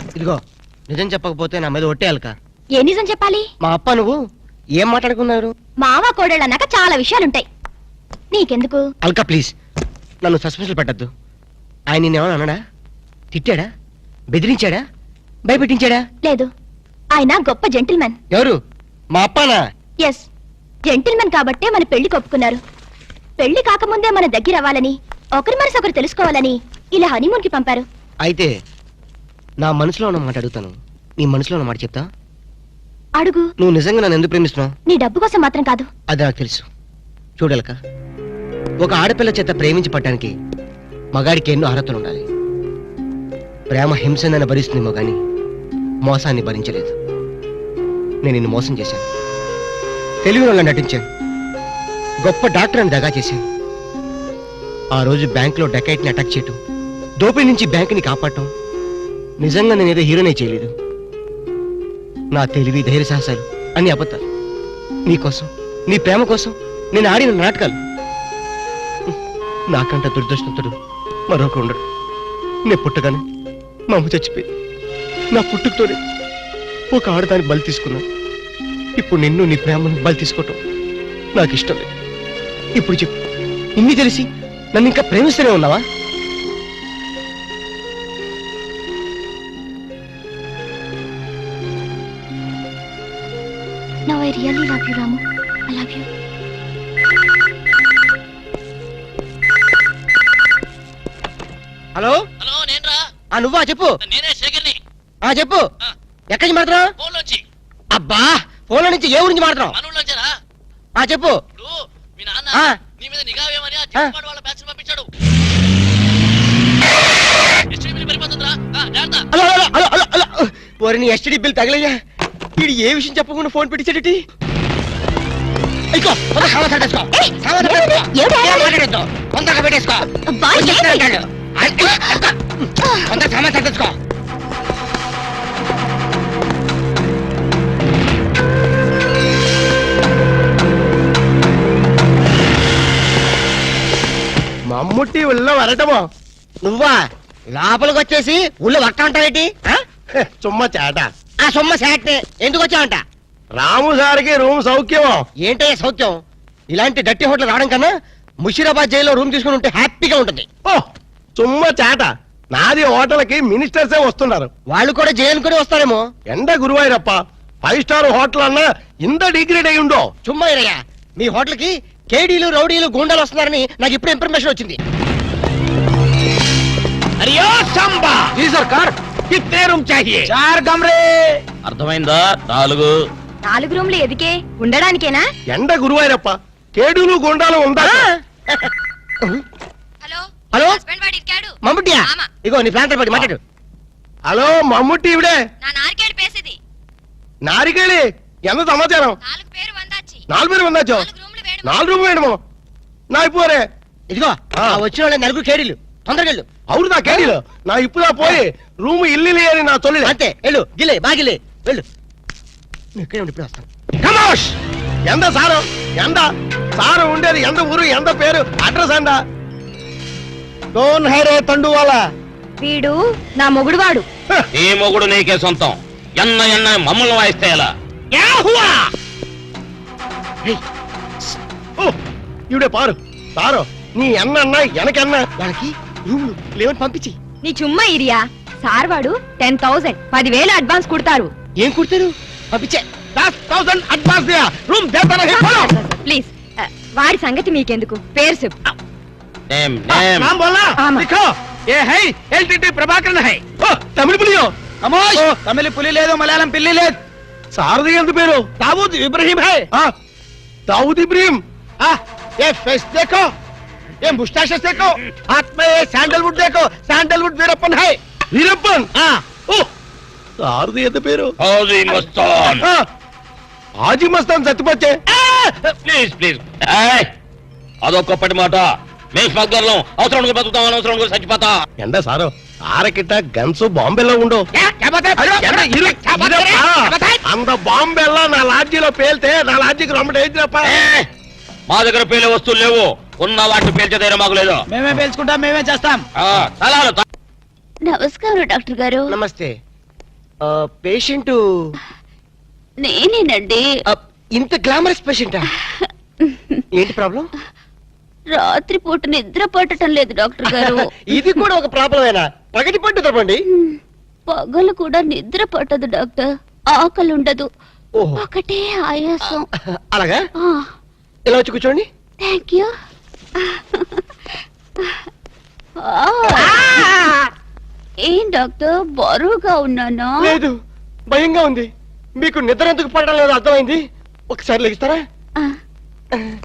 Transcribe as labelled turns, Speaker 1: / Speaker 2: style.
Speaker 1: ఇదిగో నిజం చెప్పకపోతే నా మీద ఒట్టేయాలక.
Speaker 2: ఏ నిజం చెప్పాలి?
Speaker 1: మా అప్ప నువ్వు ఏం మాట్లాడుకున్నారు?
Speaker 2: మావ కోడళ్ళు అన్నాక చాలా విషయాలుంటాయి, నీకెందుకు?
Speaker 1: అల్కా ప్లీజ్ నన్ను సస్పెన్షన్ పెట్టద్దు. ఆయన నిన్నేమన్నా అన్నాడా? తిట్టాడా? బెదిరించాడా? భయపెట్టించాడా?
Speaker 2: లేదు, ఆయన గొప్ప జెంటిల్మెన్.
Speaker 1: ఎవరు? మా అప్పనా?
Speaker 2: ఎస్, జెంటిల్మెన్ కాబట్టే మన పెళ్లి కొప్పుకున్నారు. పెళ్లి కాకముందే మన దగ్గర అవ్వాలని, ఒకరి మనసు ఒకరు తెలుసుకోవాలని ఇలా హనీమూన్ కి పంపారు.
Speaker 1: అయితే నా మనసులో ఉన్న మాట అడుగుతాను, నీ మనసులో ఉన్న మాట చెప్తా.
Speaker 2: అడుగు.
Speaker 1: నువ్వు నిజంగా నన్ను ఎందుకు ప్రేమిస్తున్నావు?
Speaker 2: నీ డబ్బు కోసం మాత్రం కాదు.
Speaker 1: అది నాకు తెలుసు. చూడలక, ఒక ఆడపిల్ల చేత ప్రేమించి పట్టడానికి మగాడికి ఎన్నో అర్హతలు ఉండాలి. ప్రేమ హింసనని భరిస్తుందేమో గాని మోసాన్ని భరించలేదు. నేను నిన్ను మోసం చేశాను, తెలివి వల్ల నటించాను, గొప్ప డాక్టర్ అని దగా చేశాను. ఆ రోజు బ్యాంకులో డకైట్ని అటాక్ చేయటం, దోపిడీ నుంచి బ్యాంకుని కాపాడటం, నిజంగా నేనేదో హీరోనే చేయలేదు. నా తెలివి ధైర్య సాహసాలు అన్ని అబద్ధాలు. నీకోసం, నీ ప్రేమ కోసం నేను ఆడిన నాటకాలు. నాకంట దురదృష్టంతుడు మరొక ఉండడు. నేను పుట్టగానే మా అమ్మ చచ్చిపోయి నా పుట్టుకతోనే ఒక ఆడదానికి బలి తీసుకున్నాను. ఇప్పుడు నిన్ను నీ ప్రేమను బలి తీసుకోవటం నాకు ఇష్టం లేదు. ఇప్పుడు చెప్పు, ఇన్ని తెలిసి నన్ను ఇంకా ప్రేమిస్తూనే ఉన్నావా?
Speaker 2: Now I really love you, Ramu. I love you.
Speaker 1: Hello
Speaker 3: hello, నేనురా.
Speaker 1: నువ్వా? చెప్పు.
Speaker 3: నేనే శేఖర్ని.
Speaker 1: చెప్పు. ఎక్కడి నుంచి మాట్లాడుతున్నావు?
Speaker 3: ఫోన్ లోంచి.
Speaker 1: అబ్బా, ఫోన్లో నుంచి ఏ ఊరించి మాట్లాడుతున్నావు?
Speaker 3: మనూళ్ళోంచేరా.
Speaker 1: చెప్పు.
Speaker 3: ఇప్పుడు మీ నాన్న నీ మీద నిఘా వేయమని ఆ చిన్నపాడు వాళ్ళ బ్యాచ్ పంపించాడు. ఎస్టీడీ బిల్ పెరిగిపోతుందిరా. జాగ్రత్త.
Speaker 1: ఓరి నీ ఎస్టీడీ బిల్ తగలయ్యా. వీడు ఏ విషయం చెప్పకుండా ఫోన్ పెట్టించాడటి. మమ్ముట్టి ఉళ్ళో వరటమో నువ్వా? లోపలికి వచ్చేసి ఊళ్ళో వట్ట అంటావేటి?
Speaker 4: చుమ్మ చేట.
Speaker 1: సొమ్మ శాటే ఎందుకు వచ్చావంట?
Speaker 4: రాము సార్కి రూమ్ సౌఖ్యమో?
Speaker 1: ఏంటయ్యా సౌఖ్యం? ఇలాంటి డట్టి హోటల్ రావడం కన్నా ముషీరాబాద్ జైల్లో రూమ్ తీసుకుని ఉంటే హ్యాపీగా ఉంటుంది.
Speaker 4: ఓ చుమ్మ చేట. నాది హోటల్కి మినిస్టర్సే వస్తున్నారు.
Speaker 1: వాళ్ళు కూడా జైలు కూడా వస్తారేమో.
Speaker 4: ఎండ గురువాయిరప్ప, 5 స్టార్ హోటల్ అన్నా ఇంత డిగ్రేడ్ అయి ఉండో.
Speaker 1: చుమ్మా ఇరయ్యా, మీ హోటల్ కి కేడీలు రౌడీలు గూండాలు వస్తున్నారని నాకు ఇప్పుడు ఇన్ఫర్మేషన్ వచ్చింది.
Speaker 3: అరియో సంబా.
Speaker 4: జీ సర్కార్, కిత్నే రూమ్ చాహియే?
Speaker 3: 4 కమరే. అర్థమైందా?
Speaker 2: 4 రూమ్లు ఎదికే ఉండడానికేనా?
Speaker 4: ఎండ గురువాయిరప్ప, కేడులు గుండాలు ఉందా?
Speaker 2: హలో
Speaker 1: హలో
Speaker 2: హస్బెండ్ వాడి ఇక్కాడు.
Speaker 1: మమ్ముట్టియా?
Speaker 2: ఆమా.
Speaker 1: ఇగో నీ ప్లాంటర్ పడి మాట్లాడు.
Speaker 4: హలో మమ్ముట్టి ఇవిడే.
Speaker 2: నా నారికేడు పేసేది.
Speaker 4: నారికేళి ఎంత సమాచారం?
Speaker 2: 4 పేరు వందాచి.
Speaker 4: 4 పేరు వందాచో?
Speaker 2: 4 రూమ్లు వేడు.
Speaker 4: 4 రూమ్ వేయడమో? నా ఇప్పుడే
Speaker 1: ఇదిగో వచ్చిన వాళ్ళ 4 కేడీలు, తొందరగా వెళ్ళు.
Speaker 4: అవును నా కేడీలు. నా ఇప్పుడా పోయి రూమ్ ఇల్లు అని నా తొలి
Speaker 1: అంతే, వెళ్ళు. గిలే బాగిలే వెళ్ళు. నువ్వు ఇక్కడే ఉండి ఇప్పుడు వస్తాను.
Speaker 4: కమోష్! ఎంత సారు? ఎంత సారు ఉండేది? ఎంత ఊరు? ఎంత పేరు? అడ్రస్ అండా?
Speaker 1: డోన్ హైరే తండువాలా.
Speaker 2: వీడు నా మొగుడువాడు.
Speaker 3: ఈ మొగుడు నీకే సొంతం. ఎన్న మమ్మల్ని వాయిస్తే ఎలా?
Speaker 4: ఇవిడే పారు సారు. నీ ఎన్న ఎనకన్నా
Speaker 1: వాళ్ళకి రూమ్లు లేవని పంపించి.
Speaker 2: నీ చుమ్మా ఇరియా. సార్ వాడు 10,000 10,000 అడ్వాన్స్ కుడతారు.
Speaker 1: ఏం కుడతారు? పంపించే.
Speaker 4: 10,000 అడ్వాన్స్ దియా. రూమ్ దేతా నహీ. Follow
Speaker 2: please. వాడి సంగతి మీకెందుకు, పేరు చెప్పు.
Speaker 4: नाम बोलना। लिखो ये है एलटीटी प्रभाकरन है। तमिल पुलियो कमोश। तमिल पुली ले दो, मलयालम पिल्ली ले। सारदी ఎంత పేరు? दाऊद इब्राहिम है। दाऊद इब्राहिम। ये फेस देखो, ये मुस्टैचेस देखो, हाथ में ये सैंडलवुड देखो, सैंडलवुड वीरप्पन है। वीरप्पन? सारदी ఎంత పేరు?
Speaker 3: हाजी मस्तान।
Speaker 4: हाजी मस्तान చచ్చిపోతే.
Speaker 3: Please please. అదొక్కటి మాట. మేము స్మగ్లర్లం. అవసరం బతుకుతాం, అనవసరం చచ్చిపోతా.
Speaker 4: ఎండ సారు ఆరకిట్ట గన్స్ బాంబేలో ఉండు. అంత బాంబేలో నా లాడ్జీలో పేల్తే నా లాడ్జీకి రమ్మటేంటిరప్ప.
Speaker 3: మా దగ్గర పేలే వస్తువులు లేవు. ఉన్న వాటిని పేల్చే ధైర్యం మాకు లేదు.
Speaker 5: మేమే పేల్చుకుంటాం, మేమే చేస్తాం.
Speaker 3: తలాలు.
Speaker 2: నమస్కారం డాక్టర్ గారు.
Speaker 1: నమస్తే. పేషెంట్
Speaker 2: నేనేనండి.
Speaker 1: ఇంత గ్లామరస్ పేషెంటా? ఏంటి ప్రాబ్లం?
Speaker 2: రాత్రిపూట నిద్ర పట్టడం లేదు డాక్టర్ గారు.
Speaker 1: ఇది కూడా ఒక ప్రాబ్లమేనా? పగటి పట్టు తప్పండి.
Speaker 2: పగలు కూడా నిద్ర పట్టదు డాక్టర్. ఆకలి ఉండదు.
Speaker 1: ఓహో,
Speaker 2: ఒకటే ఆయాసం.
Speaker 1: అలాగా? ఇలా వచ్చి కూర్చోండి.
Speaker 2: Thank you. ఏం డాక్టర్ బరువుగా ఉన్నానా?
Speaker 1: లేదు, భయంగా ఉంది. మీకు నిద్ర ఎందుకు పడడం లేదు అర్థమైంది. ఒకసారి లెగిస్తారా?